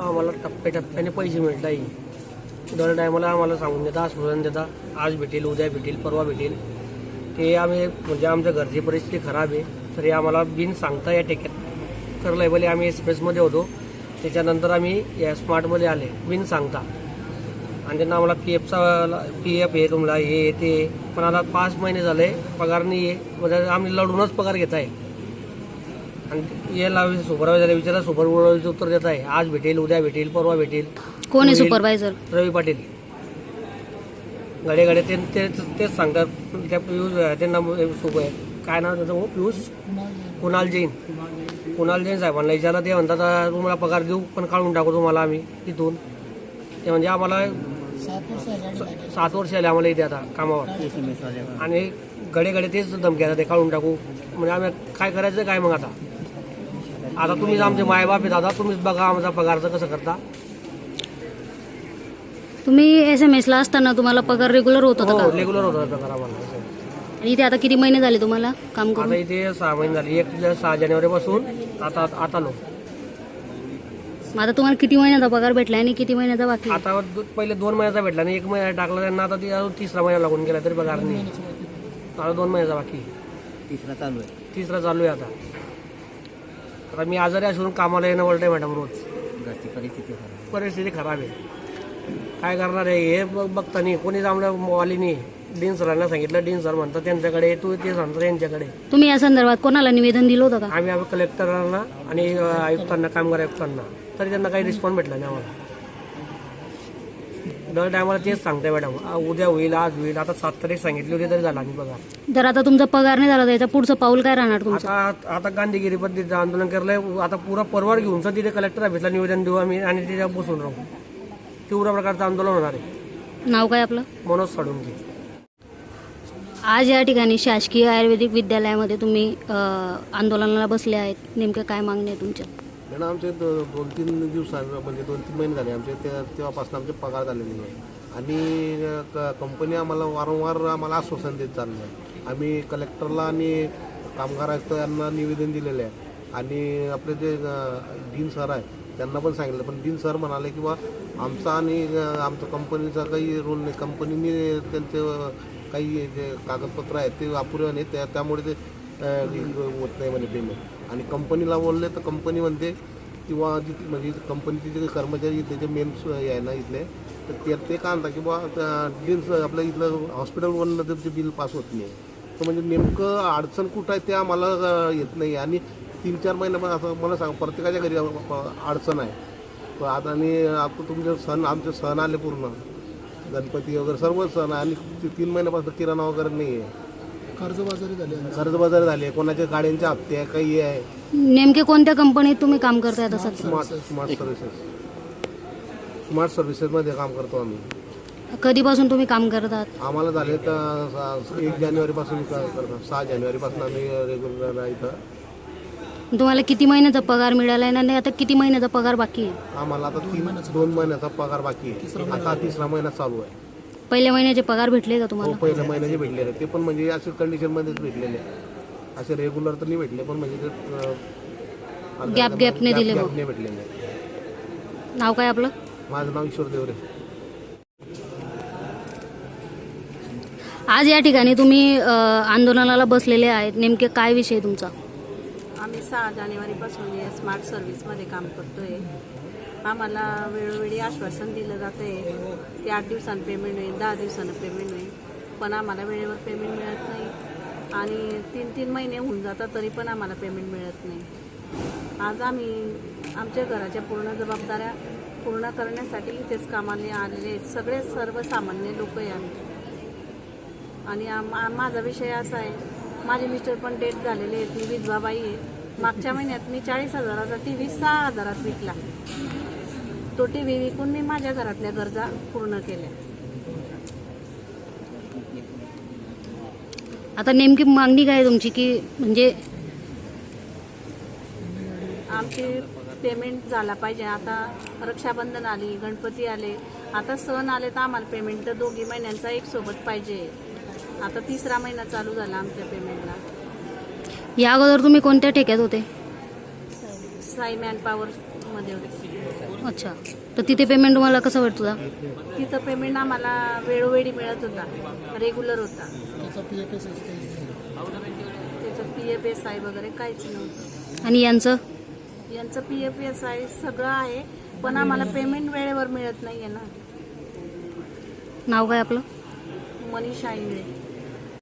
आम्हाला टप्प्याटप्प्याने पैसे मिळत आहे। दर टायमाला आम्हाला सांगून देता, आश्वासन देता, आज भेटेल, उद्या भेटेल, परवा भेटेल। ते आम्ही म्हणजे आमच्या घरची परिस्थिती खराब आहे, तरी आम्हाला बिन सांगता या टेक्यात करलंय। भले आम्ही एक्सप्रेसमध्ये होतो, त्याच्यानंतर आम्ही या स्मार्टमध्ये आले बिन सांगता। आणि त्यांना आम्हाला PF आहे तुम्हाला, हे ते, पण आता 5 महिने झाले पगार नाही आहे। म्हणजे आम्ही लढूनच पगार घेत आहे। आणि याला सुपरवायझर विचारा, सुपरवायझर उत्तर देत आहे, आज भेटेल, उद्या भेटेल, परवा भेटेल। कोण आहे सुपरवायझर? रवी पाटील। घडे तेच सांगतात। त्या पियुष त्यांना काय नाव त्याचं, पियुष कुणाल जैन साहेबांना विचारला, ते म्हणतात तुम्हाला पगार देऊ, पण काढून टाकू तुम्हाला आम्ही तिथून। ते म्हणजे आम्हाला 7 वर्ष आले आम्हाला इथे आता कामावर। आणि घडे तेच धमक्या ते काढून टाकू। म्हणजे आम्ही काय करायचं काय मग आता तुम्हीच आमचे मायबाप आहे दादा, तुम्हीच बघा आमचा पगारचं कसं करता। तुम्ही SMS ला असताना तुम्हाला पगार रेग्युलर होत होता का? रेग्युलर होता पगार आम्हाला। आणि इथे आता किती महिने झाले तुम्हाला काम करून? आता इथे 6 महिने झाले। 6 जानेवारीपासून आता आलो। मग आता तुम्हाला किती महिन्याचा पगार भेटला आणि किती महिन्याचा बाकी? आता पहिले 2 महिन्याचा भेटला आणि 1 महिना टाकला त्यांना। आता ती अजून 3रा महिना लागून गेला तरी पगार नाही। आता 2 महिन्याचा बाकी, 3रा चालू आहे आता मी आजारी असून कामाला येणं वळतंय मॅडम रोज। परिस्थिती खराब आहे, काय करणार आहे हे बघता नाही कोणीच आम्हाला वालीनी। डीन सरांना सांगितलं, डीन सर म्हणतात त्यांच्याकडे, तू ते सांगतो यांच्याकडे। तुम्ही या संदर्भात कोणाला निवेदन दिलं होतं का? आम्ही कलेक्टरांना आणि आयुक्तांना, कामगार आयुक्तांना, तरी त्यांना काही रिस्पॉन्स भेटला नाही आम्हाला। दर टायमाला तेच सांगताय मॅडम, उद्या होईल, आज होईल। आता 7 तारीख सांगितली होती तरी झाला नाही पगार। जर आता तुमचा पगार नाही झाला तर याचं पुढचं पाऊल काय राहणार तुमचं? आता गांधीगिरी पद्धतीचं आंदोलन केलंय। आता पुरा परवार घेऊन तिथे कलेक्टर ऑफिसला निवेदन देऊ आम्ही आणि तिथे बसून राहू। तीव्र प्रकारचं आंदोलन होणार आहे। नाव काय आपलं? मनोज साळुंखे। आज या ठिकाणी शासकीय आयुर्वेदिक विद्यालयामध्ये तुम्ही आंदोलनाला बसले आहेत, नेमकं काय मागणी आहे तुमच्या? मॅडम आमचे 2-3 दिवस म्हणजे 2-3 महिने झाले आमचे, तेव्हापासून आमचे पगार झालेले नाही। आणि कंपनी आम्हाला वारंवार आश्वासन देत चाललं आहे। आम्ही कलेक्टरला आणि कामगार आयुक्त यांना निवेदन दिलेलं आहे। आणि आपले जे डीन सर आहे त्यांना पण सांगितलं, पण डीन सर म्हणाले की बा आमचा आणि आमच्या कंपनीचा काही रोल नाही, कंपनीने त्यांचे काही जे कागदपत्र आहेत ते अपुरे नाही, त्यामुळे ते होत नाही म्हणे पेमेंट। आणि कंपनीला बोलले तर कंपनी म्हणते किंवा म्हणजे कंपनीचे जे कर्मचारी त्याचे मेन आहे ना इथले, तर ते का आणता की बा डीन आपलं इथलं हॉस्पिटलवरनं त्याचे बिल पास होत नाही। तर म्हणजे नेमकं अडचण कुठं आहे ते आम्हाला येत नाही। आणि 3-4 महिने असं मला सांग, प्रत्येकाच्या घरी अडचण आहे आता। आणि आता तुमचे आमचे सण आले पूर्ण, गणपती वगैरे सर्व सण, आणि 3 महिन्यापासून किराणा वगैरे नाही आहे। कर्जबाजारी झाले, कोणाच्या गाड्यांचे हप्ते आहे, काही आहे। नेमके कोणत्या कंपनीत तुम्ही काम करताय? तसं स्मार्ट सर्व्हिसेसमध्ये काम करतो आम्ही। कधीपासून तुम्ही काम करतात? आम्हाला झाले तर 1 जानेवारीपासून करतो, 6 जानेवारीपासून आम्ही रेग्युलर इथं। तुम्हाला किती महिन्याचा पगार मिळाला आहे आणि आता किती महिन्याचा पगार बाकी आहे? आम्हाला आता 2 महिन्याचा पगार बाकी आहे, आता 3रा महिना चालू आहे। पहिल्या महिन्याचे पगार भेटले का तुम्हाला? पहिल्या महिन्याचे भेटलेले, ते पण म्हणजे असे कंडिशनमध्येच भेटलेले, असे रेग्युलर तर नाही भेटले, पण म्हणजे गॅपने दिले भेटलेले। नाव काय आपलं? माझं नाव ईश्वर देवरे। आज या ठिकाणी तुम्ही आंदोलनाला बसलेले आहेत, नेमके काय विषय तुमचा? आम्ही 6 जानेवारीपासून या स्मार्ट सर्व्हिसमध्ये काम करतोय। आम्हाला वेळोवेळी आश्वासन दिलं जातं आहे की 8 दिवसांनी पेमेंट होईल, 10 दिवसानं पेमेंट होईल, पण आम्हाला वेळेवर पेमेंट मिळत नाही। आणि 3-3 महिने होऊन जातात तरी पण आम्हाला पेमेंट मिळत नाही। आज आम्ही आमच्या घराच्या पूर्ण जबाबदाऱ्या पूर्ण करण्यासाठी इथेच कामाला आलेले आहेत, सगळे सर्वसामान्य लोक आहे आम्ही। आणि माझा विषय असा आहे, माझे मिस्टर पण डेथ झालेले आहेत, मी विधवा बाई आहे। मागच्या महिन्यात मी 40,000चा TV 6,000त विकला। तो TV विकून मी माझ्या घरातल्या गरजा पूर्ण केल्या। आता नेमकी मागणी काय तुमची? की म्हणजे आमची पेमेंट झाला पाहिजे। आता रक्षाबंधन आली, गणपती आले, आता सण आले तर आम्हाला पेमेंट तर 2 महिन्यांचा एक सोबत पाहिजे। आता 3रा महिना चालू झाला आमच्या पेमेंटला। या अगोदर तुम्ही कोणत्या ठेक्यात होते? साई मॅन पॉवर मध्ये होते। अच्छा, तर तिथे पेमेंट तुम्हाला कसं भेटतं? तिथं पेमेंट आम्हाला वेळोवेळी मिळत होता, रेग्युलर होता. त्याचं PFSI वगैरे काहीच नव्हतं. आणि यांचं यांचं PFSI सगळं आहे, पण आम्हाला पेमेंट वेळेवर मिळत नाहीये ना. नाव काय आपलं? मनीषा इंगळे.